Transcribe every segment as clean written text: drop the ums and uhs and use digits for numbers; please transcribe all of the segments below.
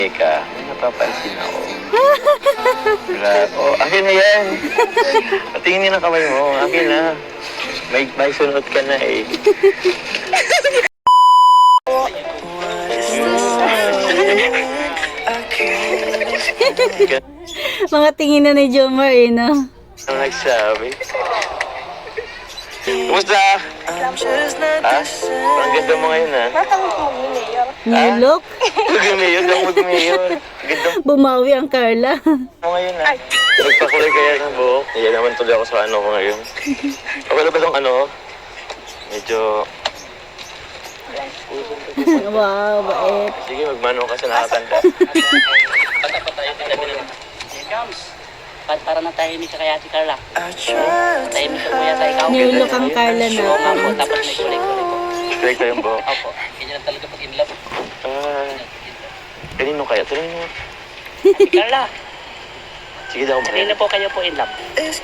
Teka, may napapansin ako. Grabe. Oh, akin na yan. Patingin na kamay mo. Akin na. May sunod ka na eh. Mga tingin na ni Jomar eh, no? Ano nagsabi? Kumusta? Ha? Ang ganda mo ngayon, ha? New look. Mag-mayor, lang mag-mayor. Ganda Bumawi ang Carla. mo ngayon, ha? Nagpakulay kaya ng buhok. Iyan naman tuloy ako sa ano ko ngayon. Okay na ba itong ano? Medyo... Wow, bait. Sige, magmano ka sa nakakanta. Para na tayo ni kaya si Carla. Tayo mo po yata ikaw. New look ang Carla na. Opo, tapos may kulay-kulay po. Straight ko yung buhok. Opo, ganyan lang talaga pag in love. Kanino kaya? Kanino mo? Si Carla, Sige daw, kanina po kayo po in love.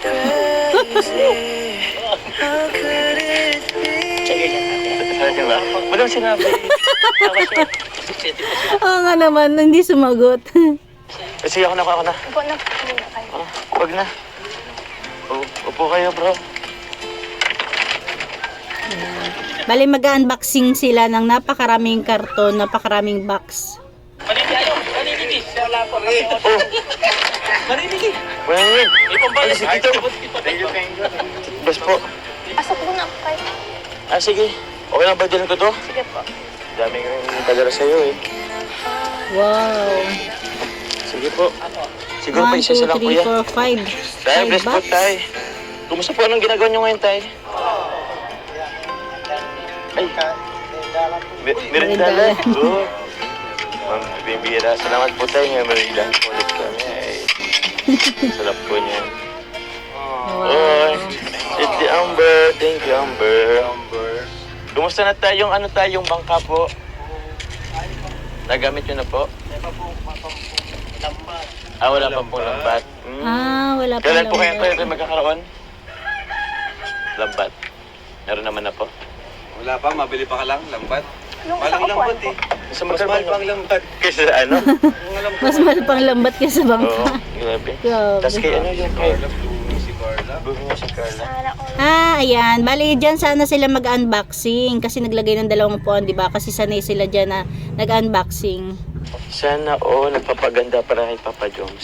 Sige, Sabi ba? Walang sinabi. Oo nga naman, hindi sumagot. Sige, ako na. Upo na muna kayo. Huwag na. Upo kayo, bro. Bali mag-unboxing sila ng napakaraming karton, napakaraming box. Maninigi. Wala po. Maninigi. Wala na yun. Ipambalas. Dito. Bas po. Pasok muna ako kayo. Sige. Okay lang ba dyan ko to? Sige po. Dami ko yung padala sa'yo eh. Wow. Sige po. Siguro 1, pa isa 2, lang po 3, yan. 4, 5. Tay, bless po, tay. Kumusta po? Anong ginagawa nyo ngayon, tay? Ay. Merindala. Good. Ma'am, bibira. Salamat po tayo nga. Merindala po ulit kami. Ay. Sarap po niya. Oy. It's the Amber. Thank you, Amber. Kumusta na tayong tayong bangka po? Nagamit nyo na po? Wala pa po lambat. Wala pa Kailan po lang. kayo magkakaroon? Lambat. Meron naman na po. Wala pa, mabili pa ka lang, lambat. Nung Walang sa upuan lambat po. eh. Sa Mas mahal pang lambat. Kaysa ano? Mas mahal pang lambat kaysa Oo, bangka. grabe. Grabe. Tapos kay ano yung kay... Carla, blue si Carla. Bumi mo si Carla. Sana all. Ayan. Bali, dyan sana sila mag-unboxing. Kasi naglagay ng 2 puan, di ba? Kasi sanay sila dyan na nag-unboxing. Sana nagpapaganda para kay Papa Jones.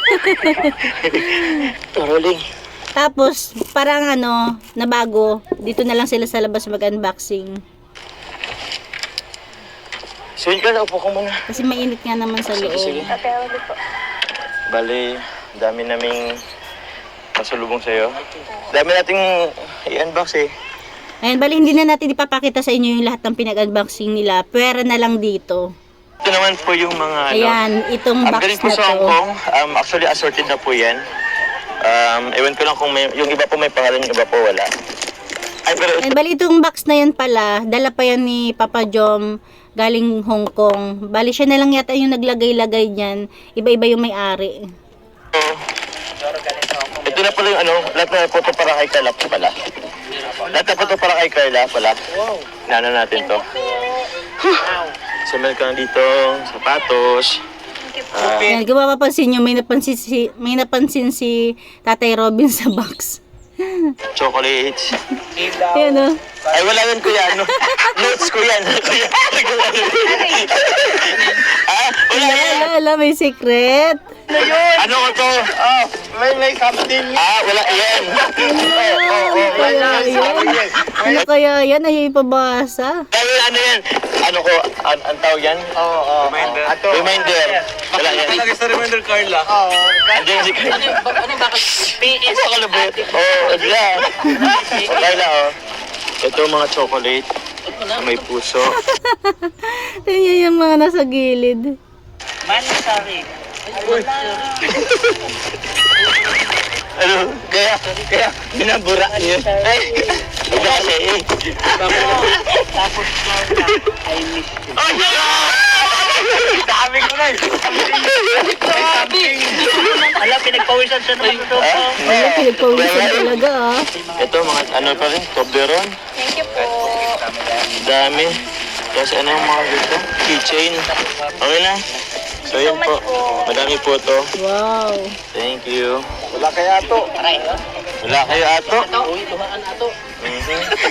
Rolling. Tapos, parang na bago, dito na lang sila sa labas mag-unboxing. So yun ka na, upo ko muna. Kasi mainit nga naman sa loob. Sige. Pero ulit po. Bali, dami naming pasalubong sa'yo. Dami nating i-unbox eh. Ayan, bali, hindi na natin ipapakita sa inyo yung lahat ng pinag-unboxing nila. Pwera na lang dito. Ito naman po yung mga Ayan, itong Ang box galing po na sa to. Hong Kong. Actually, assorted na po yan. Ewan ko lang kung yung iba po may pangalan, yung iba po wala. Ay, pero And bali itong box na yan pala, dala pa yan ni Papa Jom galing Hong Kong. Bali siya na lang yata yung naglagay-lagay niyan. Iba-iba yung may-ari. ito na pala yung lahat na po ito para kay Carla pala. Lahat na po ito para kay Carla pala. Nano natin to. So, meron ka dito, sapatos. Ayan, kung mapapansin nyo, may napansin si Tatay Robin sa box. Chocolates. Ayan o. Ay, wala yan kuya. Notes ko yan. Kuya. Wala yan. Wala, may secret. Ano ko to? May something. Wala yan. Ano kaya yan? Ay, ipabasa. Dahil ano yan? Ano ko? Ang tawag yan? Reminder. Reminder. Wala yan. Talaga sa reminder, Carla. Andiyan si Carla. Ano bakit? PS. Ano kalabot? Wala. Carla, Ito mga chocolate. May puso. Yan yung mga nasa gilid. Sorry. Kaya, binaburaan yun. Ay, iba kasi eh. Tapos Carla, I miss you. Oh, no! Dami ko na eh. Alam, pinagpawisan siya naman ito. Wala, pinagpawisan talaga Ito, mga pa rin, Toblerone. Thank you po. Dami. Tapos ano yung mga dito? Keychain. Okay na. So yun po. much po. Madami po to. Wow. Thank you. Wala kaya to. Wala kayo ato? Thank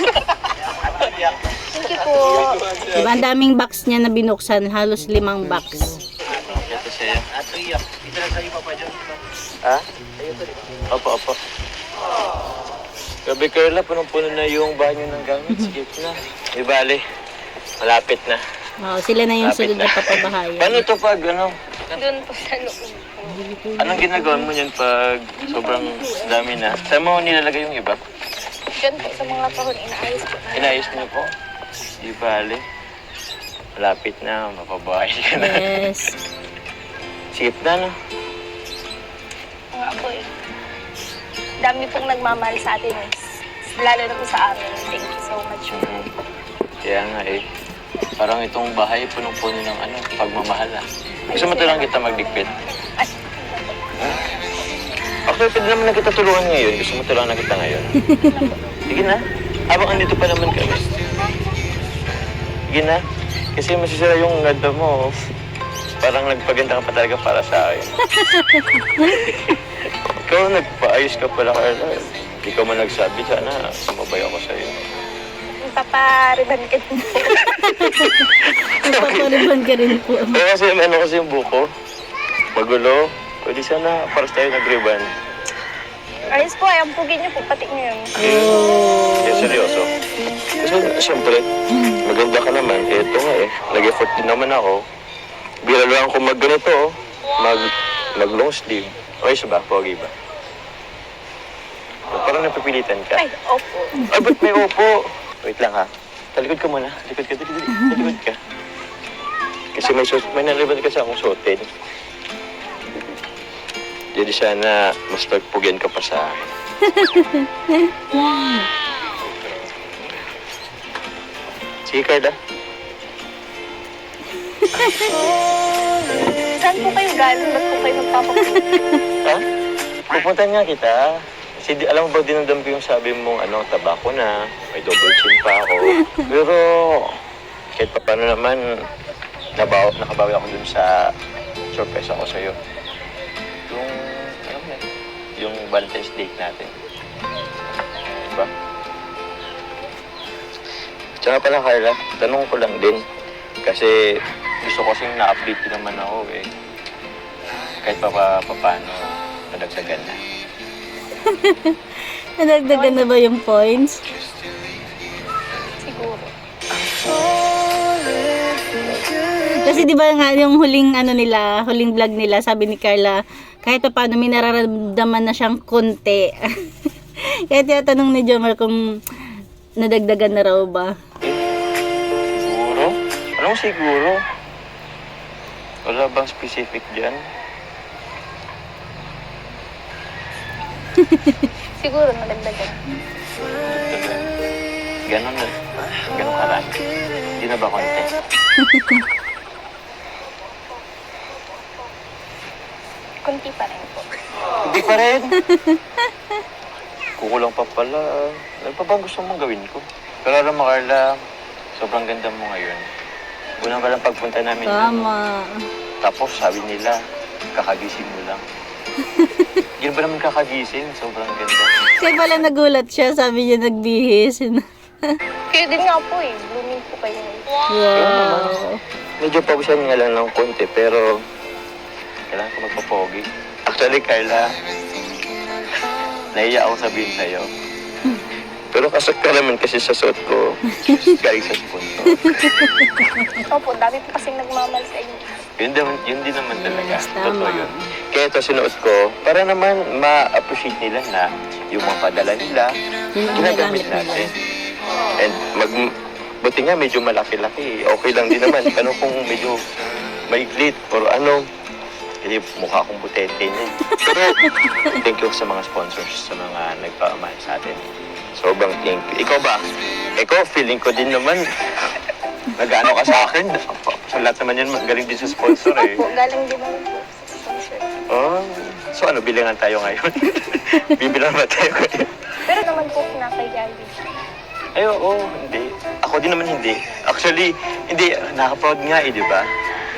you po. Diba, ang daming box niya na binuksan. Halos 5 box. Ito sa'yo. Ha? Opo, opo. Gabi Carla, punong-puno na yung banyo ng gamit. Sige na. Di bale. Malapit na. Oo, sila na yung Malapit sunod na na. papabahayan. Paano to pag ano? Doon po sa loob. Anong ginagawa mo yan pag sobrang dami na? Saan mo nilalagay yung iba? Diyan po sa mga kahon, inaayos po. Inayos niyo po? Di bale. Malapit na, mapabahay ka na. Yes. Sige na, no? Nga po eh. Dami pong nagmamahal sa atin eh. Lalo na po sa amin. Thank you so much. Kaya nga eh. Parang itong bahay punong-puno ng ano, pagmamahal ah. Gusto mo tulungan kita magligpit? Actually, pwede naman na kita tulungan ngayon. Gusto mo tulungan na kita ngayon? Sige na. Habang andito pa naman kami. Sige na. Kasi masisira yung ganda mo. Parang nagpaganda ka pa talaga para sa akin. Ikaw nagpaayos ka pala, Carla. Ikaw man nagsabi, sana sumabay ako sa'yo. Papariban ka din po. Papariban ka rin po. Kasi ano kasi yung buko. Magulo. Pwede sana para tayo nag-ribbon. Ayos po, ay ampugin niyo po, pati niyo yun. Kaya seryoso. Kasi siyempre, maganda ka naman. Ito nga eh. Nag-effort din naman ako. Bira lang ako mag-ganito oh. Mag-long sleeve. Ayos ba? Pogi ba? Parang napipilitan ka. Ay, opo. Ay, ba't may opo? Wait lang ha. Talikod ka muna. Talikod ka, dali. Talikod ka. Kasi may naliban kasi akong suotin. Jadi sana mas pagpugyan ka pa sa akin. Sige, Carla. Saan po kayo galing? Ba't po kayo magpapapunta? Ha? Pupuntahan nga kita. Kasi alam mo ba, dinamdam ko yung sabi mong ano, tabako na, may double chin pa ako. Pero kahit pa paano naman, nakabawi ako dun sa surprise ako sa'yo. Yung, alam mo yung Valentine's date natin. Diba? Tsaka pala, Carla, tanong ko lang din. Kasi gusto ko kasing na-update din naman ako eh. Kahit pa paano, nadagdagan na. Nadagdagan na ba yung points? Siguro. Kasi di ba nga yung huling ano nila, huling vlog nila, sabi ni Carla, kahit pa paano may nararamdaman na siyang konti. Kaya tinatanong ni Jomar kung nadagdagan na raw ba. Siguro? Anong siguro? Wala bang specific dyan? Siguro, nadagdagan. Ganon na. Ganon karami. Hindi na ba konti? Kunti pa rin po. Hindi pa rin. Kukulang pa pala. Ano pa bang gusto mong gawin ko? Pero alam mo, Carla, sobrang ganda mo ngayon. Unang ka lang pagpunta namin. Tama. Tapos sabi nila, kakagising mo lang. Yun ba naman kakagising? Sobrang ganda. Kaya pala nagulat siya, sabi niya nagbihis. Kayo din nga po eh. Blooming po kayo. Wow. Medyo pawisan nga lang ng konti, pero kailangan ko magpapogi. Actually, Carla, nahiya ako sabihin sa'yo. Pero kasat ka naman kasi sa suot ko, galing sa sponsor. Opo, dami po kasing nagmamahal sa inyo. Yun din naman talaga. Yes, tama. Totoo yun. Kaya ito sinuot ko, para naman ma-appreciate nila na yung mga padala nila, Yung ginagamit ginagamit nila. natin. And buti nga medyo malaki-laki. Okay lang din naman. Ano kung medyo maiglit or ano, hindi mukha akong butete niya. Pero thank you sa mga sponsors, sa mga nagpamahal sa atin. Sobrang thank you. Ikaw ba? Ikaw, feeling ko din naman, nag-ano ka sa akin. Sa lahat naman yan, galing din sa sponsor eh. Opo, galing din naman po sa sponsor. Oh, so ano, bilangan tayo ngayon? Bibilang ba tayo ngayon? Pero naman po, kinakahiya din. Ay, oo, hindi. Ako din naman hindi. Actually, hindi, nakaproud nga eh, di ba?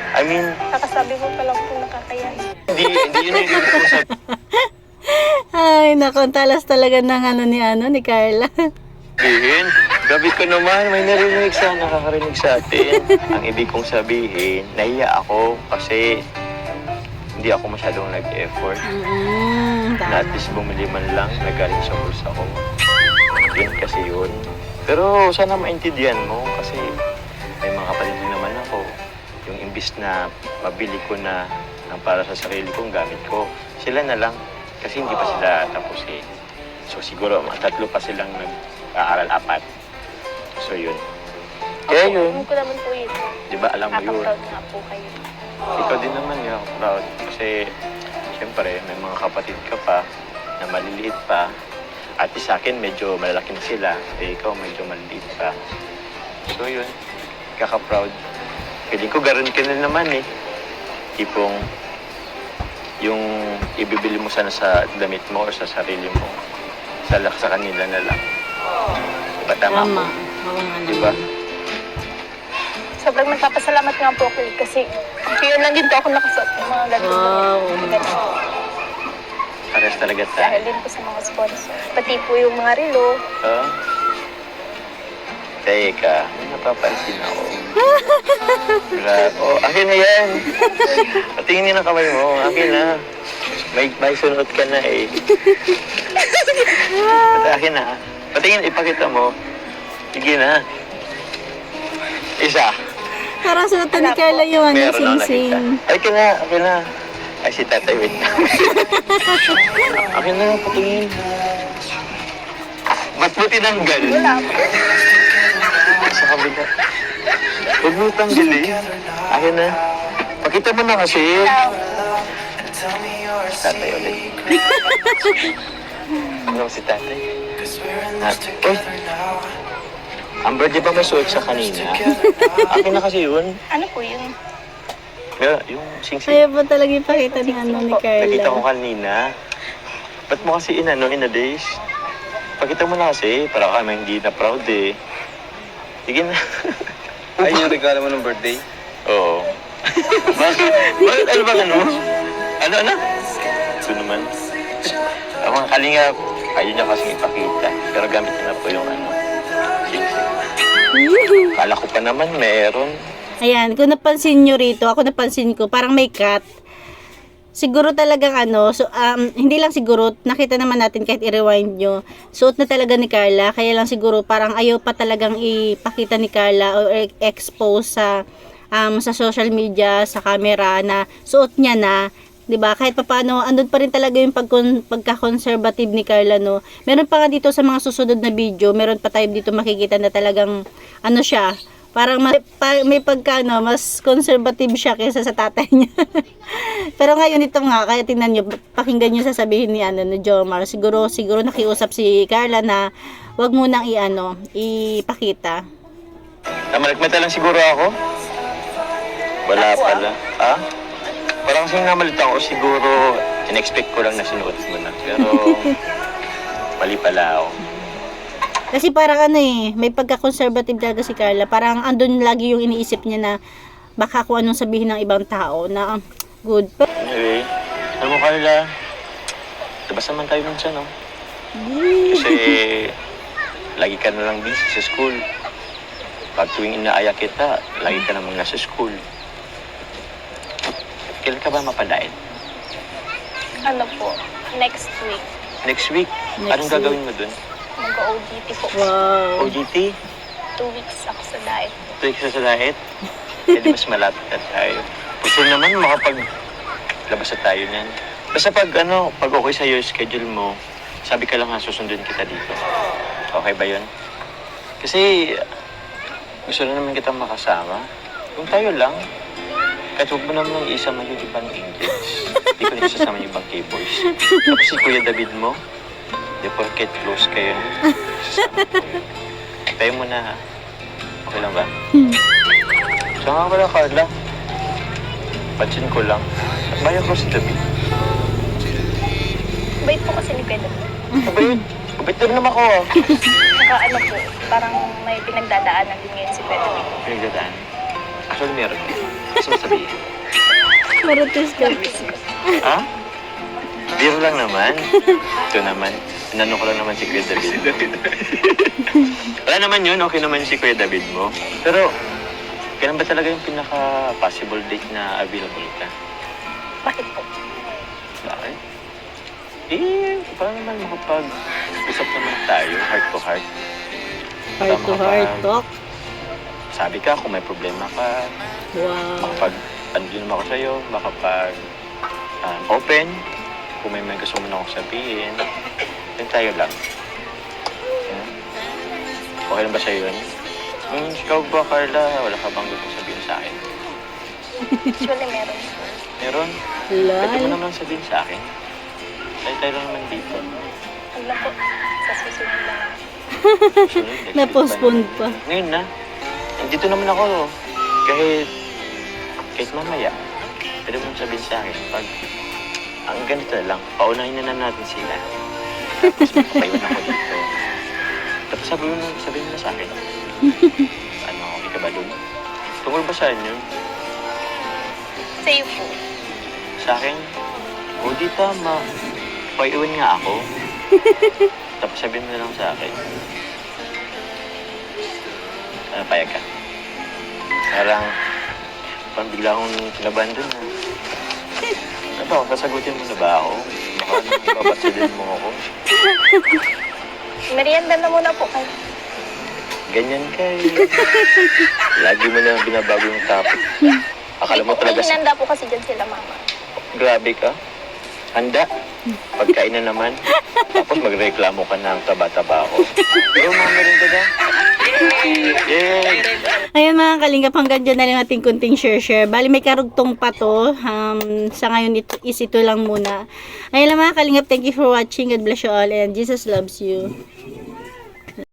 I mean, Kakasabi mo pa lang po nakakaya. hindi yun yung ibig kong Ay, naku, ang talas talaga ng ni Carla. sabihin. Gabi ko naman, may narinig sa nakakarinig sa atin. Ang ibig kong sabihin, nahiya ako kasi hindi ako masyadong nag-effort. Na at least bumili man lang, nagaling sa bulsa ko. Yun kasi yun. Pero sana maintindihan mo kasi may mga kapatid din naman ako. Yung imbis na mabili ko na ng para sa sarili kong gamit ko, sila na lang. Kasi hindi pa sila tapos eh. So siguro mga 3 pa silang nag-aaral, 4. So yun. Kaya yun. Alam ko naman po yun. Di ba alam mo yun? Nakaka-proud nga po kayo. Ikaw din naman yung proud. Kasi siyempre may mga kapatid ka pa na maliliit pa. At sa akin medyo malalaki na sila. Eh ikaw medyo maliliit pa. So yun. Kaka-proud. Feeling ko garon ka na naman eh. Tipong yung ibibili mo sana sa damit mo o sa sarili mo. Sa kanila na lang. Diba tama Tama. po? Oo nga Diba? naman. Sobrang nagpapasalamat nga po ako kasi yun lang din po ako nakasuot ng mga ganito. Wow. Pares talaga Dahil tayo. din po sa mga sponsor. Pati po yung mga relo. Oh. Teka, may napapansin ako. Grabe. Oh, akin na yan. Patingin ng kamay mo. Akin na. May sunod ka na eh. Akin na. Patingin, ipakita mo. Sige na. Isa. Parang suotan ni Carla yung Meron ako nakita. sing-sing. Akin na, akin na. Ay, si tatay, wait na. Akin na, patingin. Ba't mo tinanggal? Wala po. Sa kabila. Huwag mo tanggalin. Akin na. Pakita mo na kasi. Tatay ulit. Ano si tatay? Uy. Amber, di ba may suot sa kanina? Akin na kasi yun. Ano po yun? Yung sing-sing. Ayaw pa talaga ipakita ni ni Nakita ko Carla. kanina. Ba't mo kasi in a days? Pakita mo na kasi. Para kami hindi na proud eh. Sige na. Ay, yung regalo mo ng birthday? Oo. Bakit? Bakit? Ano ba ano? Ano? Ito naman. Ang mga kalingap, ayaw niya kasing ipakita. Pero gamit niya na po yung sing-sing. Kala ko pa naman meron. Ayan, kung napansin nyo rito, ako napansin ko, parang may cut. Siguro talagang hindi lang siguro, nakita naman natin kahit i-rewind nyo, suot na talaga ni Carla, kaya lang siguro parang ayaw pa talagang ipakita ni Carla o expose sa social media, sa camera na suot niya na, 'di ba? Kahit papaano, andun pa rin talaga yung pagka-conservative ni Carla, no. Meron pa nga dito sa mga susunod na video, meron pa tayo dito makikita na talagang siya, parang may mas conservative siya kaysa sa tatay niya. Pero ngayon ito nga, kaya tingnan niyo, pakinggan niyo sasabihin ni ni Jomar. Siguro nakiusap si Carla na wag mo nang ipakita. Namalikmata lang siguro ako? Wala pala. Ha? Parang kasi namalita ako siguro, in-expect ko lang na sinuot mo na. Pero, mali pala ako. Kasi parang may pagka-conservative talaga si Carla. Parang andun lagi yung iniisip niya na baka kung anong sabihin ng ibang tao na good. Pero, Anyway, alam mo Carla, labas naman tayo minsan, no? Kasi, lagi ka na lang busy sa school. Pag tuwing inaaya kita, lagi ka namang nasa school. Kailan ka ba mapadain? Ano po? Next week. Next week? Anong gagawin mo dun? Mag-OGT po. wow. OGT? 2 weeks ako sa diet. 2 weeks na sa diet? Hindi mas malapit na tayo. Gusto naman makapaglabas na tayo niyan. Basta pag okay sa'yo yung schedule mo, sabi ka lang susundin kita dito. Okay ba yun? Kasi gusto na naman kitang makasama. Kung tayo lang, kahit huwag mo naman isama yung ibang English. Hindi ko na isasama yung ibang K-boys. Tapos si Kuya David mo, di porket close kayo. Isasama ko yun. Tayo mo na ha. Okay lang ba? So nga pala Carla, pansin ko lang, bayan ko si David. Bait po kasi ni Pedro. Kabait, kabait din naman ako ah. Saka po, parang may pinagdadaanan din ngayon si Pedro. Pinagdadaan. Actually, meron. Gusto mo sabihin? Marites ka. Ha? Biro lang naman. Ito naman. Inano ko lang naman si Kuya David. Wala naman yun. Okay naman si Kuya David mo. Pero, kailan ba talaga yung pinaka-possible date na available ka? Bakit po? Bakit? Para naman makapag-usap naman tayo, heart to heart. Heart to heart talk. Sabi ka, kung may problema ka, Wow. andun naman ako sa'yo, open. Kung may gusto mo na akong sabihin, yun tayo lang. Yeah. Okay lang ba sa'yo yun? Ikaw ba, Carla? Wala ka bang gusto sabihin sa akin? Actually, meron po. Meron? Pwede mo Lal. naman sabihin sa akin. Tayo lang naman dito. Huwag na po. Sa susunod lang. Sunod, next week Na-postpone pa. Ngayon na. Dito naman ako. Kahit mamaya. Pwede mo sabihin sa akin. Pag ang ganito na lang, paunahin na natin sila. Tapos magpapayun ako dito. Tapos sabihin mo na sa akin. Ano, okay ka ba dun? Tungkol ba saan yun? Sa'yo po. Sa akin? O di tama. Paiwan nga ako. Tapos sabihin mo na lang sa akin. Ano, payag ka? Parang bigla akong kinabahan dun, ha? Ano ba, kasagutin mo na ba ako? Baka naman babasilin mo ako. Merienda na muna po kayo. Ganyan ka eh. Lagi mo na binabago yung topic. Akala mo May talaga hinanda po kasi dyan sila, mama. grabe ka. Handa. Pagkain na naman. Tapos magreklamo ka ng taba-taba ako. Pero mga merinda na. Yeah. Ayun mga kalingap, hanggang dyan na lang ating kunting share. Bali may karugtong pa to. Sa ngayon ito lang muna. Ayun lang mga kalingap, thank you for watching. God bless you all and Jesus loves you.